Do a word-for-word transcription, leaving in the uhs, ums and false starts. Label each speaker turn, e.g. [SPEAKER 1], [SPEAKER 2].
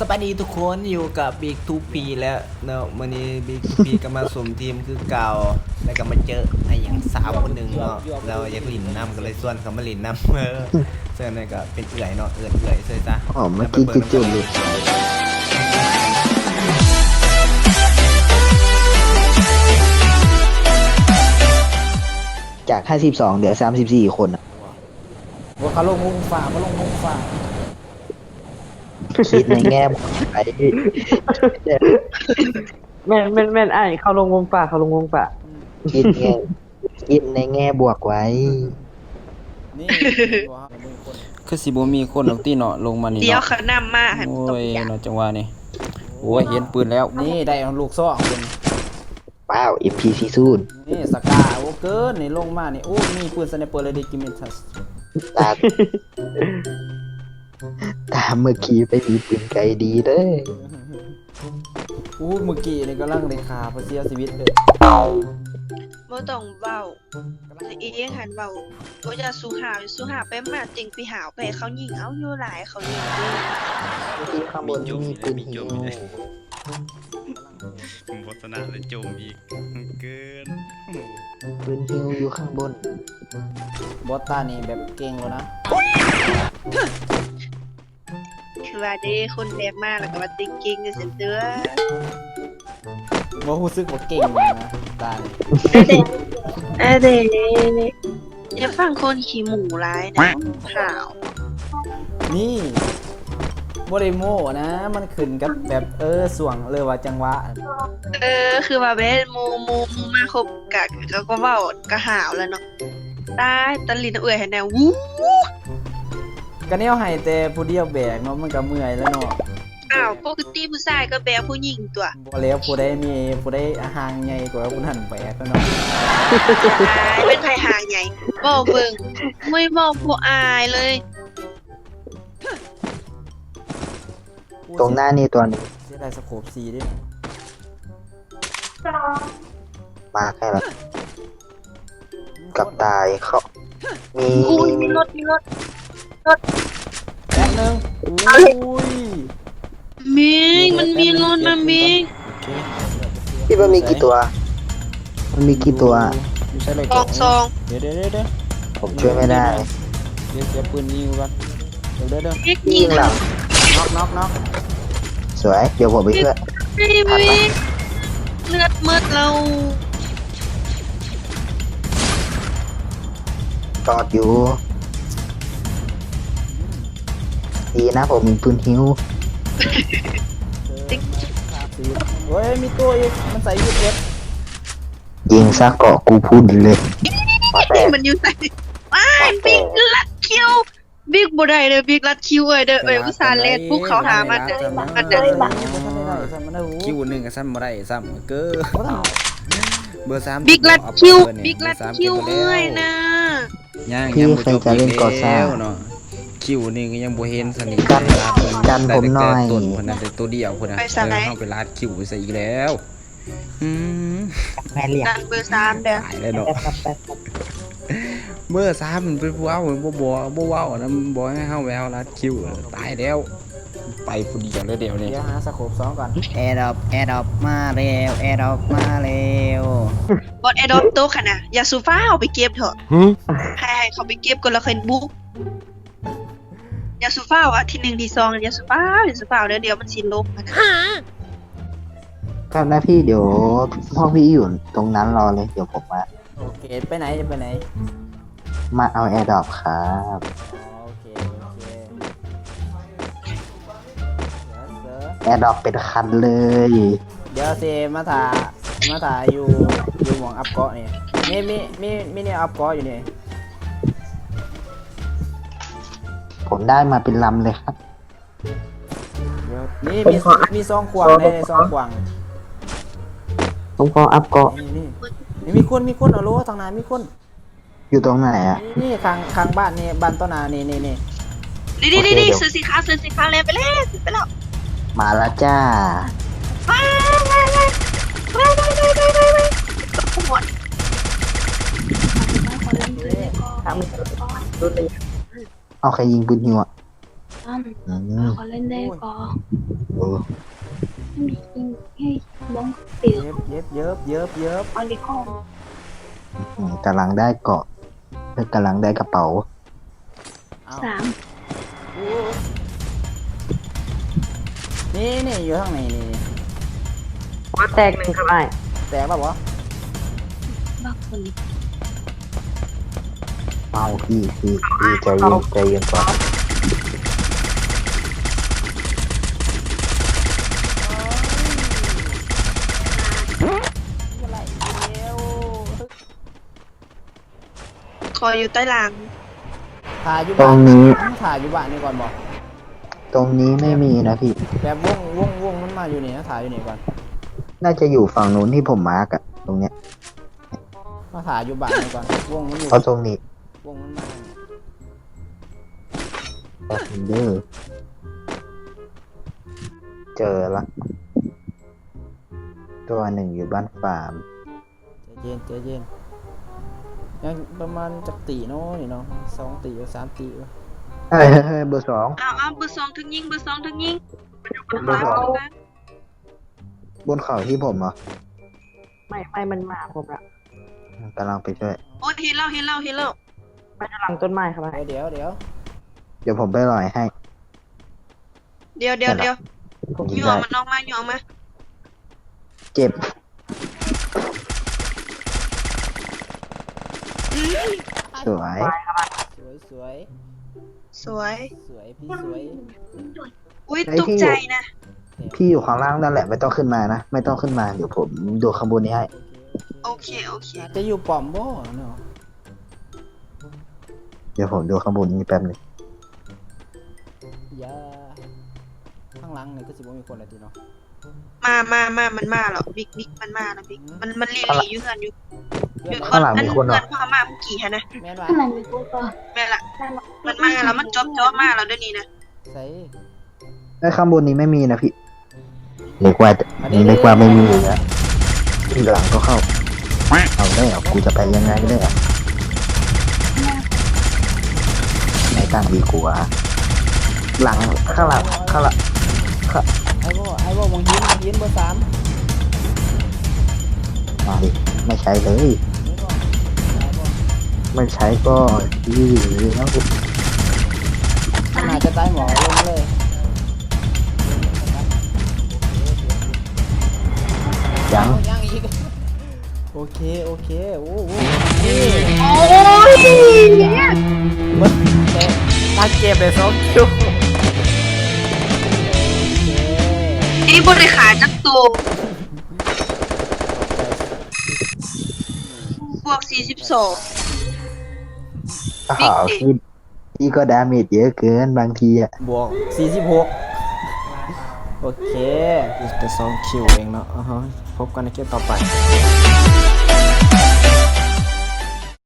[SPEAKER 1] สวัสดีทุกคนอยู่กับบิ๊กทูปีแล้วเนาะวันนี้บิ๊กทูปีก็มาสมทีมคือเก่าแล้วก็มาเจอไอ้อย่างสาวคนหนึ่งเนาะเราอยากหลินน้ำก็เลยส่วนเขามาหลินน้ำเออเสื้อนี่ก็เป็นเอื่อยเนาะเอื่อยเอื่อยเสื้อจ้ะ
[SPEAKER 2] อ๋อเมื่อกี้จุดๆเลยจากห้าสิบสองเหลือสามสิบสี่คนอ่ะ
[SPEAKER 1] ว่าเขาลงมุงฝ่าเขาลงมุงฝ่า
[SPEAKER 2] คิดในแง่บวกไป
[SPEAKER 3] แม่นแม่นแม่นไอ้ายเขาลงวงป่าเขาลงวงป่า
[SPEAKER 2] คิดแง่คิดในแง่บวกไว้
[SPEAKER 1] นี่คือสิบ่มีคนหรอกที่เนาะลงมานี่
[SPEAKER 4] เดี๋ยว
[SPEAKER 1] เนาะ
[SPEAKER 4] เขานำมาหัน
[SPEAKER 1] โอ้
[SPEAKER 4] ตก
[SPEAKER 1] ย
[SPEAKER 4] อย่าง
[SPEAKER 1] เนาะจังหวะนี้โอ้ยเห็นปืนแล้วนี่ได้ลูกซ่องคน
[SPEAKER 2] ว้าว เอ็ม พี ซี ศูนย์
[SPEAKER 1] นี่สกาโอ้เกินนี่ลงมานี่โอ้มีปืนสไนเปอร์เลยดิกิมิทัส
[SPEAKER 2] ตาตามเมื่อกี้ไปมีปืนไกลดีเด้อ
[SPEAKER 1] อู้เมื่อกี้นี่กำลังเลยคาเพเสียชีวิตเลย
[SPEAKER 4] บ่ต้องเว้าแต่อีเองหันเว้าบ่จะสู้หาวสู้หาวไปมาจริงไปหาวไปเขายิงเอาอยู่หลายเขายิงด้วย
[SPEAKER 2] ที่ข้างบนมีปืนหิว
[SPEAKER 5] บทนาเลยโจมอีกเกิน
[SPEAKER 2] ปืนหิวอยู่ข้างบน
[SPEAKER 1] บอสตานี่แบบเก่งแล้วนะ
[SPEAKER 4] คือว่าเด้คนแบบมาแล้วก็ว่าติงกิงกันเสียเด้อ
[SPEAKER 1] บ่รู้สึกว่าเก่งเลยนะตานี่
[SPEAKER 4] เอ้เด้อย่าฟังคนขี้หมูร้ายนะขาว
[SPEAKER 1] นี่บ่ได้โม้นะมันขึ้นกับแบบเออส่วงเลยว่าจังหวะ
[SPEAKER 4] เออคือว่าเบ้หมูหมูหมูมาคบกะก็ก็เว้ากะหาวแล้วเนาะตายตะลินเอื้อยให้แนววู้
[SPEAKER 1] ก็แนวให้แต่ผู้เดียวแบกเนาะมันก็เมื่อยแล้วเนาะ
[SPEAKER 4] อ้าวปกติผู้ชายก็แบกผู้หญิงตัว
[SPEAKER 1] บ่แล้วผู้ใดมีผู้ใดห่างใหญ่กว่าผู้นั้นแบกแล้วเนาะ
[SPEAKER 4] อายเป็นไผหางใหญ่บอกเบิ่งไม่บอกผู้อายเลย
[SPEAKER 2] ตรงหน้านี่ตัวนี้
[SPEAKER 1] เสียดายสโคปสี่ดิ
[SPEAKER 2] มาแค่ละกับตายเขามี
[SPEAKER 4] อุ้ย
[SPEAKER 2] มี
[SPEAKER 4] มีรถมีรถ
[SPEAKER 1] แป๊บนึงอุ้ย
[SPEAKER 4] มิงมันมีรถนะมิง
[SPEAKER 1] โอเค
[SPEAKER 2] คิดว่ามีกี่ตัว มันมีกี่ตัว
[SPEAKER 1] อยู่ใช่เลย
[SPEAKER 4] กองซอง
[SPEAKER 1] เดี๋ยวเดี๋ยวเดี๋ยวเดี๋ยว
[SPEAKER 2] ผมช่วยไม่ได้
[SPEAKER 1] เดี๋ยวเดี๋ยวปืนยิงก่อนเดี๋ยวเดี๋ยวเดี๋ยว
[SPEAKER 4] เอ็ก
[SPEAKER 2] ยิ
[SPEAKER 4] ยิ
[SPEAKER 2] ง
[SPEAKER 4] ง
[SPEAKER 2] หลัง
[SPEAKER 1] น็อกน็อกน็อก
[SPEAKER 2] สวย เดี๋ยวผมไปช่วย
[SPEAKER 4] ไม่มิงเลือดมืดเรา
[SPEAKER 2] จอดอยู่ ดีนะผมมีปืนหิว
[SPEAKER 4] ติ๊ก
[SPEAKER 1] เฮ้ยมีตัวอีกมันใส่ยูเอฟ
[SPEAKER 2] ยิงซะเกาะกูพูดเลยมาแต่
[SPEAKER 4] มันอยู่ไหนว้ายบิ๊กลัดคิวบิ๊กบ่ได้เด้อบิ๊กลัดคิวเอ้ยเด้อเอ้ยอุตส่าห์เล่นปุ๊บเขาหามันเด้อมันเด้อ
[SPEAKER 1] คิวหนึ่งกับซ้ำมาได้ซ้ำเกอเบอร์สาม
[SPEAKER 4] บิ๊กลัดคิวบิ๊กลัดคิวเอ้ยนะ
[SPEAKER 1] ย่าง
[SPEAKER 2] พี่
[SPEAKER 1] ยัง
[SPEAKER 2] ใครจะเล่นก่อสร้าง
[SPEAKER 1] เนาะคิวนี่ก็ยังบ่เห็นสนิท
[SPEAKER 2] กันกันผมหน่อย
[SPEAKER 1] ต้นคนนั้นแต่ตัวเดียวคนนั้นเออเข้าไปลาดคิวไปซะอีกแล้วอืม
[SPEAKER 2] แม่เรียก
[SPEAKER 4] ดันเบอร์สามเด้อ
[SPEAKER 1] ตายแล้วเนาะเมื่อสามมันเป็นผู้เอาบ่บ่บ่เว้านะบ่ให้เฮาแววลาดคิวตายแล้วไปผู้เดียวเลยเดี๋ยวนี้เดี๋ยวหาสโคปสองก่อนแอร์ดรอปแอร์ดรอปมาแล้วแอร์ดรอปมาแล้ว
[SPEAKER 4] บอดแอดอปโตขนาดอย่าสูฟ้าเอาไปเก็บเถอะให้ให้เขาไปเก็บก่อนแล้วค่อยบุกอย่าสูฟ้าอ่ะที่หนึ่งที่สองอย่าสูฟ้าอย่าสูฟ้าเดี๋ยวเดี๋ยวมันสิลบนะ
[SPEAKER 2] ครับนะพี่เดี๋ยวพ่อพี่อยู่ตรงนั้นรอเลย เดี๋ยวผมมา
[SPEAKER 1] โอเคไปไหนจะไปไหน
[SPEAKER 2] มาเอาแอร์ดรอปครับ
[SPEAKER 1] โอเคโอเค
[SPEAKER 2] แอร์ดรอปเป็นคันเลย
[SPEAKER 1] เดี๋ยวเซมาถ่ามาถ่าอยู่อยู่หมองอัพเกาะนี่มีมีมีมีเนี่ยอัพเกาะอยู่นี่
[SPEAKER 2] ผมได้มาเป็นลำเลยครับ
[SPEAKER 1] เดี๋ยวนี่มีมีซองขวางในซองขวาง
[SPEAKER 2] ผมขออัพเกาะ
[SPEAKER 1] นี่นี่นี่มีคนมีคนเอาโลทางไหนมีคน
[SPEAKER 2] อยู่ตรงไหนอ่ะ
[SPEAKER 1] นี่นี่ข้างข้างบ้านนี่บ้านต้นนานี่นี่นี่
[SPEAKER 4] นี่นี่นี่
[SPEAKER 2] โอเค
[SPEAKER 4] นี่
[SPEAKER 2] เดี๋ยว
[SPEAKER 4] ซื้อสินค้าซื้อสินค้าแล้วไปแล้วไปแล้ว
[SPEAKER 2] มาแล้วจ้า
[SPEAKER 4] ว้าวว้าวว้าวว้าวว้าวว้าวว้าวขโมย
[SPEAKER 2] เอาใครยิงปืนหิวอ่ะ
[SPEAKER 6] ตั้ม
[SPEAKER 2] อืม
[SPEAKER 6] เขาเล่นได้ก่อน
[SPEAKER 4] มีอิงเฮ้ยบ้องเตี๋ยว
[SPEAKER 1] เย็บเย็บเย็บเย็บเย็บ
[SPEAKER 4] ออลิคอม
[SPEAKER 2] อืมกำลังได้เกาะแล้วกำลังได้กระเป๋า
[SPEAKER 1] เอา
[SPEAKER 4] สาม
[SPEAKER 1] นี่นี่อยู่ข้างในนี่
[SPEAKER 3] ว่าแตกหนึ่งครับไอ้
[SPEAKER 1] แตกแล้วบ่
[SPEAKER 4] บักคนนี้
[SPEAKER 2] เมาพี่พี่พี่ใจเย็นใจเย็นก่อน
[SPEAKER 4] คอยอยู่ใต้ราง
[SPEAKER 1] ถ่ายอยู่
[SPEAKER 2] ตร
[SPEAKER 1] บ้าน
[SPEAKER 2] งนี้
[SPEAKER 1] ถ่ายอยู่บ้านนี่ก่อนบอก
[SPEAKER 2] ตรงนี้ไม่มีนะพี่
[SPEAKER 1] แบบวงวงวงมันมาอยู่นี่นะถ่ายอยู่นี่ก่อน
[SPEAKER 2] น่าจะอยู่ฝั่งนู้นที่ผมมาร์กอะตรงเนี้ย
[SPEAKER 1] มาถ่ายอยู่บ้านนี่ก่อนวงมันอยู่
[SPEAKER 2] เพราะตรงนี้
[SPEAKER 1] วงมันมา
[SPEAKER 2] เดอร์เจอละตัวหนึ่งอยู่บ้านฟาร์ม
[SPEAKER 1] ใจเย็นใจเย็นยังประมาณจักตีเนาะนี่เนาะสองตีหรือสามตีวะ
[SPEAKER 2] เฮ้ยเฮ้ยเฮ้ยเบอร์สอง
[SPEAKER 4] อ้าวอ้าวเบอร์สองถึงยิงเบอร์สองถึงยิง
[SPEAKER 2] เบอร์สองบนเขาที่ผมเหรอ
[SPEAKER 3] ไม่ไม่มันมาผมละ
[SPEAKER 2] กำลังไปช่วย
[SPEAKER 4] โอ้เห็นแล้วเห็นแล้วเห็นแล้ว
[SPEAKER 3] มันจะหลังต้นไม้ครับไอ้
[SPEAKER 1] เดี๋ยวเดี๋ยว
[SPEAKER 2] เดี๋ยวผมไปลอยให้
[SPEAKER 4] เดี๋ยวเดี๋ยวเดี๋ยว
[SPEAKER 2] ผม
[SPEAKER 4] ห
[SPEAKER 2] ยิง
[SPEAKER 4] ย่อ
[SPEAKER 2] ได้
[SPEAKER 4] มันออกมาหย่อมา
[SPEAKER 2] เจ็บ สวย
[SPEAKER 1] สวยสวย
[SPEAKER 4] สวย
[SPEAKER 1] สวยพี่สวย
[SPEAKER 4] อุ้ยตกใจนะ
[SPEAKER 2] พี่อยู่ข้างล่างนั่นแหละไม่ต้องขึ้นมานะ ไม่ต้องขึ้นมาเดี๋ยวผมดูข้างบนนี้ให้
[SPEAKER 4] โอเคโอเค
[SPEAKER 1] อาจจะอยู่ป้อมบ่เนาะ
[SPEAKER 2] เดี๋ยวผมดูข้างบนนี้แป๊บหนึง
[SPEAKER 1] อย่าข้างหลังนี่ก็สิบ่มีคนละทีเนาะ
[SPEAKER 4] มามามามันมาแล้วบิ๊กบิ๊กมันมาแล้วบิ๊กมันมันลีลีอยู่เฮือนอยู่อยู่
[SPEAKER 2] ข้างหลังมีคนเหร
[SPEAKER 4] เฮื
[SPEAKER 2] อ
[SPEAKER 4] อนพ่อมาเมื่อกี้ฮะนะ
[SPEAKER 1] แม่นว่า
[SPEAKER 4] แม่ละมันมาแล้วมันจอบจอบมาแล้วเดี๋ยวนี้นะ
[SPEAKER 1] ใส่
[SPEAKER 2] ไอ้ข้างบนนี้ไม่มีนะพี่เรียกว่านี่เรียกว่าไม่มีนะที่หลังก็เข้าเอาได้เหรอกูจะไปยังไงได้เหรอไหนตั้งดีกว่าหลังข้างหลังข้างหลัง
[SPEAKER 1] ไอ้บ่ไอ้บ่มองหินมองหินเบอร์สาม
[SPEAKER 2] มาดิไม่ใช้เลย
[SPEAKER 1] นี่บ่ได้บ่
[SPEAKER 2] ไม่ใช้ก็ยืดแล้ว
[SPEAKER 1] มันน่าจะตายหมอลงเลย
[SPEAKER 2] ยัง
[SPEAKER 1] ยังอีกโอเคโอเคโอ้โห
[SPEAKER 4] โอ้ย
[SPEAKER 1] มันแต่ตั้งเก็บเลยสองคิวโอเค
[SPEAKER 4] นี่บริขารจักตัวบวกสี่สิบสอง
[SPEAKER 2] อ้าวพี่พี่ก็ดาเมจเยอะเกินบางทีอ่ะ
[SPEAKER 1] บวกสี่สิบหกโอเคแต่สองคิวเองเนาะอ่าฮะพบกันในเกมต่อไป